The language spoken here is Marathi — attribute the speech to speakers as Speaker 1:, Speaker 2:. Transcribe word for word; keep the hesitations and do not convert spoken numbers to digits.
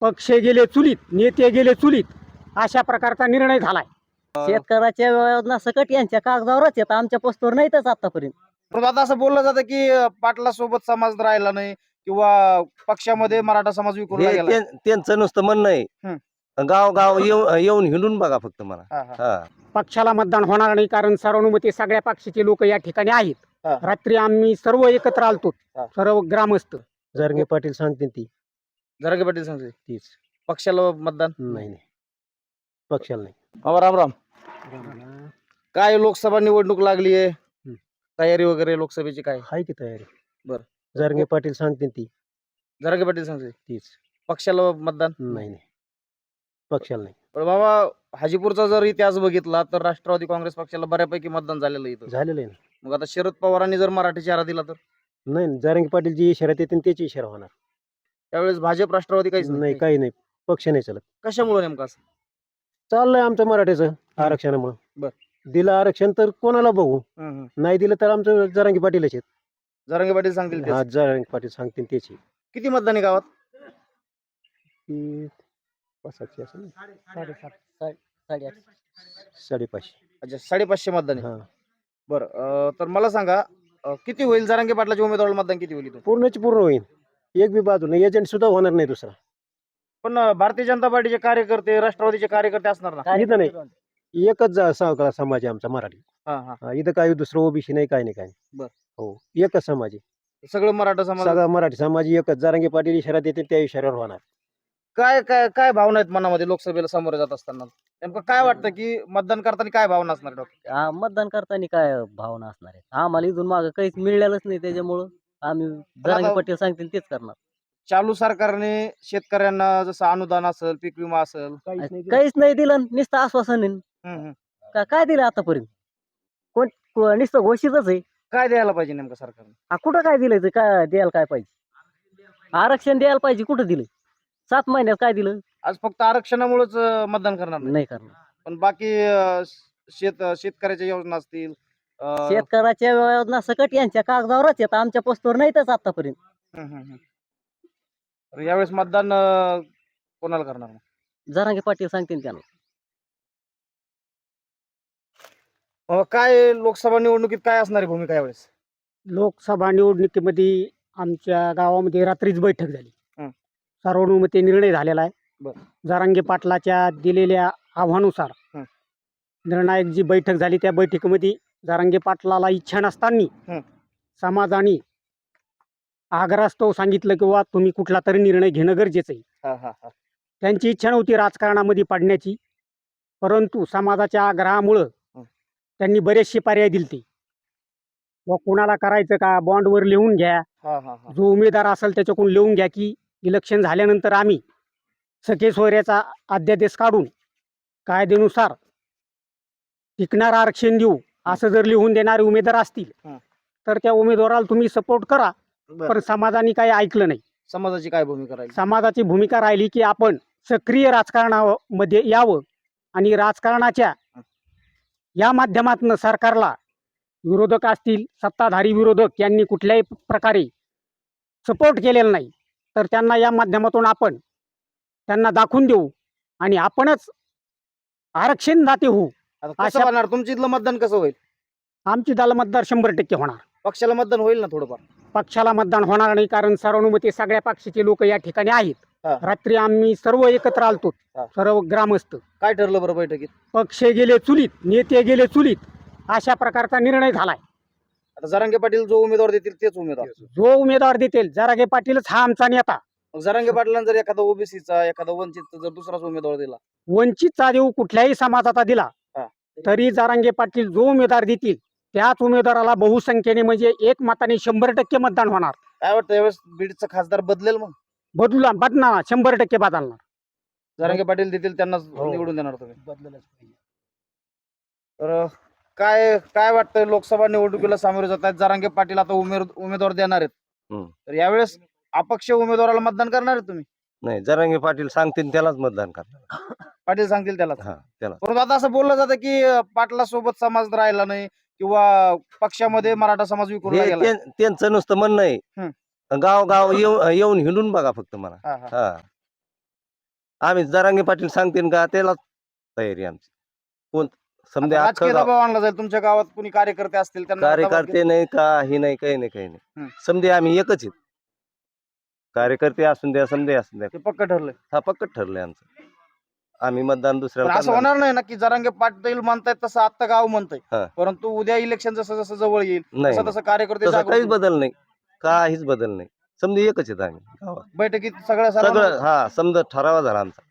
Speaker 1: पक्ष गेले चुलीत, नेते गेले चुलीत, अशा प्रकारचा निर्णय झालाय.
Speaker 2: शेतकऱ्याच्या योजना सकट यांच्या कागदावरच येतात, आमच्या पोस्टवर नाहीतच आतापर्यंत.
Speaker 3: पण आता असं बोललं जातं की पाटला सोबत समाज राहिला नाही किंवा पक्षामध्ये मराठा समाज विखुरला
Speaker 4: हे
Speaker 3: गेला.
Speaker 4: त्यां- त्यांचं नुसतं म्हणणं आहे. गाव गाव येऊ- येऊन हिंडून बघा फक्त मला.
Speaker 3: हा, हा.
Speaker 4: हा
Speaker 1: पक्षाला मतदान होणार नाही, कारण सर्वानुमते सगळ्या पक्षाचे लोक या ठिकाणी आहेत.
Speaker 3: हा.
Speaker 1: रात्री आम्ही सर्व एकत्र आलतो,
Speaker 3: हा.
Speaker 1: सर्व ग्रामस्थ.
Speaker 5: जरंगे पाटील सांगते ती
Speaker 3: जरांगे पाटील सांगते
Speaker 5: तीच.
Speaker 3: पक्षाला मतदान
Speaker 5: नाही नाही पक्षाला नाही.
Speaker 3: बाबा राम राम. काय लोकसभा निवडणूक लागली आहे, तयारी वगैरे लोकसभेची काय?
Speaker 5: हाय की तयारी.
Speaker 3: बरं.
Speaker 5: जरंगे पाटील सांगते ती
Speaker 3: जरांगे पाटील सांगते
Speaker 5: तीच.
Speaker 3: पक्षाला मतदान
Speaker 5: नाही नाही पक्षाला नाही.
Speaker 3: पण बाबा हाजीपूरचा जर इतिहास बघितला तर राष्ट्रवादी काँग्रेस पक्षाला बऱ्यापैकी मतदान झालेलं आहे इथं.
Speaker 5: झालेलं आहे ना.
Speaker 3: मग आता शरद पवारांनी जर मराठी चेहरा दिला तर
Speaker 5: नाही नाही. जरंगे पाटील जी इशारा देते त्याची इशारा होणार.
Speaker 3: त्यावेळेस भाजप राष्ट्रवादी काहीच
Speaker 5: नाही काही नाही. पक्ष नाही चालत.
Speaker 3: कशामुळे नेमकं असं?
Speaker 5: चाललंय आमचं मराठीचं आरक्षणामुळे.
Speaker 3: बर.
Speaker 5: दिलं आरक्षण तर कोणाला बघू,
Speaker 3: हम्म, हम्म.
Speaker 5: नाही दिलं तर आमचं जरांगे पाटीलच आहेत.
Speaker 3: जरांगे पाटील सांगतील तेच.
Speaker 5: हा जरांगे पाटील सांगतील त्याची.
Speaker 3: किती मतदान आहे गावात?
Speaker 5: ती पाचशे असेल ना.
Speaker 2: साडेसात साडे साडेआठ
Speaker 5: साडेपाचशे.
Speaker 3: अच्छा, साडेपाचशे मतदान आहे.
Speaker 5: हा
Speaker 3: बरं, अं, तर मला सांगा अं, किती होईल जरांगे पाटलाच्या उमेदवाराला मतदान किती होईल इथून?
Speaker 5: पूर्णच पूर्ण होईल. एक बी बाजू नाही. एजंट सुद्धा होणार नाही दुसरा.
Speaker 3: पण अं, भारतीय जनता पार्टीचे कार्यकर्ते राष्ट्रवादीचे कार्यकर्ते असणार ना?
Speaker 5: इथं नाही. एकच जा- सावकार समाज आहे आमचा मराठी.
Speaker 3: हा हा
Speaker 5: हा, इथं काही दुसरं ओबीसी नाही, काही नाही काही नाही.
Speaker 3: बर.
Speaker 5: हो एकच समाज आहे.
Speaker 3: सगळं मराठा समाज.
Speaker 5: सगळा मराठी समाज एकच. जरांगे पाटील इशारा देते त्या इशाऱ्यावर होणार.
Speaker 3: काय काय काय भावना आहेत मनामध्ये लोकसभेला सामोरे जात असताना? नेमकं काय वाटतं की मतदान करताना काय भावना असणार डॉक्टर?
Speaker 2: हा, मतदान करताना काय भावना असणार आहे? आम्हाला इथून मागं काहीच मिळालंच नाही, त्याच्यामुळं आम्ही जरांगे
Speaker 3: आता-
Speaker 2: पाटील सांगतील तेच करणार.
Speaker 3: चालू सरकारने शेतकऱ्यांना जसं अनुदान असेल, पीक विमा असेल,
Speaker 2: काहीच नाही दिलं, नुसतं आश्वासन आहे.
Speaker 3: हम्म, हम्म.
Speaker 2: का- काय दिलं आतापर्यंत? कोण को- नुसतं घोषितच आहे.
Speaker 3: काय द्यायला पाहिजे नेमकं सरकारने?
Speaker 2: हा, कुठं काय दिलं? काय द्यायला काय पाहिजे? आरक्षण द्यायला पाहिजे, कुठं दिलं? सात महिन्यात काय दिलं?
Speaker 3: आज फक्त आरक्षणामुळेच अं, मतदान करणार नाही,
Speaker 2: नाही करणार.
Speaker 3: पण बाकी अं, शेत शेतकऱ्याच्या योजना असतील, अं,
Speaker 2: शेतकऱ्याच्या योजना सकट यांच्या कागदावरच येतात, आमच्या पोस्टवर नाहीतच आतापर्यंत.
Speaker 3: हम्म, हम्म, हम्म. तर यावेळेस मतदान अं, कोणाला करणार मग?
Speaker 2: जरांगे पाटील सांगतील त्यांना.
Speaker 3: अं, काय लोकसभा निवडणुकीत काय असणार आहे भूमिका यावेळेस?
Speaker 1: लोकसभा निवडणुकीमध्ये आमच्या गावामध्ये रात्रीच बैठक झाली.
Speaker 3: हं.
Speaker 1: सर्वानुमते निर्णय झालेला आहे.
Speaker 3: बरं.
Speaker 1: जरांगे पाटलाच्या दिलेल्या आव्हानुसार
Speaker 3: हं.
Speaker 1: निर्णायक जी बैठक झाली त्या बैठकीमध्ये जरांगे पाटलाला इच्छा नसताना
Speaker 3: हं.
Speaker 1: समाजाने आग्रहास्तव सांगितलं किंवा तुम्ही कुठला तरी निर्णय घेणं गरजेचं आहे.
Speaker 3: हा, हा, हा.
Speaker 1: त्यांची इच्छा नव्हती राजकारणामध्ये पडण्याची, परंतु समाजाच्या आग्रहामुळं
Speaker 3: हं.
Speaker 1: त्यांनी बरेचसे पर्याय दिलते. व कुणाला करायचं का, बॉन्डवर लिहून घ्या,
Speaker 3: हा, हा, हा.
Speaker 1: जो उमेदवार असेल त्याच्याकडून लिहून घ्या की इलेक्शन झाल्यानंतर आम्ही सखे सोयऱ्याचा अध्यादेश काढून कायद्यानुसार टिकणार आरक्षण देऊ, असं जर लिहून देणारे उमेदवार असतील
Speaker 3: हं.
Speaker 1: तर त्या उमेदवाराला तुम्ही सपोर्ट करा.
Speaker 3: बरं.
Speaker 1: पण समाजाने काही ऐकलं नाही.
Speaker 3: समाजाची काय भूमिका राहील?
Speaker 1: समाजाची भूमिका राहिली की आपण सक्रिय राजकारणामध्ये यावं आणि राजकारणाच्या या माध्यमातून सरकारला, विरोधक असतील, सत्ताधारी विरोधक यांनी कुठल्याही प्रकारे सपोर्ट केलेला नाही, तर त्यांना या माध्यमातून आपण त्यांना दाखवून देऊ आणि आपणच आरक्षण दाते होऊ.
Speaker 3: आता कसं
Speaker 1: अशा-
Speaker 3: होणार तुमच्या इथलं मतदान कसं होईल?
Speaker 1: आमची दल मतदार शंभर टक्के होणार.
Speaker 3: पक्षाला मतदान होईल ना थोडंफार?
Speaker 1: पक्षाला मतदान होणार नाही, कारण सर्वानुमते सगळ्या पक्षाचे लोक या ठिकाणी आहेत.
Speaker 3: हा.
Speaker 1: रात्री आम्ही सर्व एकत्र आलतो,
Speaker 3: हा.
Speaker 1: सर्व ग्रामस्थ.
Speaker 3: काय ठरलं बरं बैठकीत?
Speaker 1: पक्ष गेले चुलीत, नेते गेले चुलीत, अशा प्रकारचा निर्णय झालाय.
Speaker 3: आता जरांगे पाटील जो उमेदवार देतील तेच उमेदवार.
Speaker 1: जो उमेदवार देतील, जरांगे पाटीलच हा आमचा नेता.
Speaker 3: मग जरांगे पाटलांना जर एखादा ओबीसीचा, एखादा वंचितचा जर दुसराच उमेदवार दिला,
Speaker 1: वंचितचा देऊ कुठल्याही समाजाचा दिला
Speaker 3: हा.
Speaker 1: तरी जरांगे पाटील जो उमेदवार देतील त्याच उमेदवाराला बहुसंख्येने म्हणजे एक मताने शंभर टक्के मतदान होणार.
Speaker 3: काय वाटतं यावेळेस बीडचा खासदार बदलेल? मग
Speaker 1: बदलूला बदलणार, शंभर टक्के बदलणार.
Speaker 3: जरांगे पाटील देतील त्यांनाच
Speaker 1: हो.
Speaker 3: निवडून देणार तुम्ही?
Speaker 1: बदललंच पाहिजे.
Speaker 3: तर काय काय वाटतंय लोकसभा निवडणुकीला सामोरे जात आहेत जरांगे पाटील, आता उमेद उमेदवार देणार आहेत,
Speaker 4: हम्म.
Speaker 3: तर यावेळेस अपक्ष उमेदवाराला मतदान करणार आहेत तुम्ही?
Speaker 4: नाही, जरांगे पाटील सांगतील त्यालाच मतदान करणार.
Speaker 3: पाटील सांगतील त्याला.
Speaker 4: हा त्याला.
Speaker 3: परंतु आता असं बोललं जातं की पाटला सोबत समाज राहिला नाही किंवा पक्षामध्ये मराठा समाज विखुरला
Speaker 4: हे
Speaker 3: गेला.
Speaker 4: त्यां- त्यांचं नुसतं म्हणणं आहे. गाव गाव येऊ- येऊन हिंडून बघा फक्त मला.
Speaker 3: हा, हा.
Speaker 4: हा आम्ही जरांगे पाटील सांगतील का त्याला तयारी आमची. कोण समजा
Speaker 3: आता राजकीय
Speaker 4: अख्खं गाव-
Speaker 3: दबाव आणला जाईल तुमच्या गावात कुणी कार्यकर्ते असतील त्यांना दबाव
Speaker 4: कार्यकर्ते नाही काही नाही काही नाही काही
Speaker 3: हम्म.
Speaker 4: नाही समजे आम्ही एकच आहेत. कार्यकर्ते असून द्या समजे असून द्या
Speaker 3: ते पक्क ठरलंय.
Speaker 4: हा पक्कच ठरलंय आमचं. आम्ही मतदान
Speaker 3: पण
Speaker 4: दुसऱ्याला
Speaker 3: असं
Speaker 4: करणार
Speaker 3: होणार नाही ना की जरांगे पाटील म्हणतायत तसं आता गाव म्हणतंय,
Speaker 4: हा.
Speaker 3: परंतु उद्या इलेक्शन जसं जसं जवळ येईल
Speaker 4: नाही
Speaker 3: तसं तसं कार्यकर्ते
Speaker 4: तसं
Speaker 3: जागृत
Speaker 4: काहीच
Speaker 3: होतील.
Speaker 4: बदल नाही काहीच बदल नाही समजे एकच आहेत आम्ही गावात.
Speaker 3: बैठकीत सगळ्या
Speaker 4: सगळं
Speaker 3: सर्वांना
Speaker 4: हा समजा ठरावा झाला आमचा.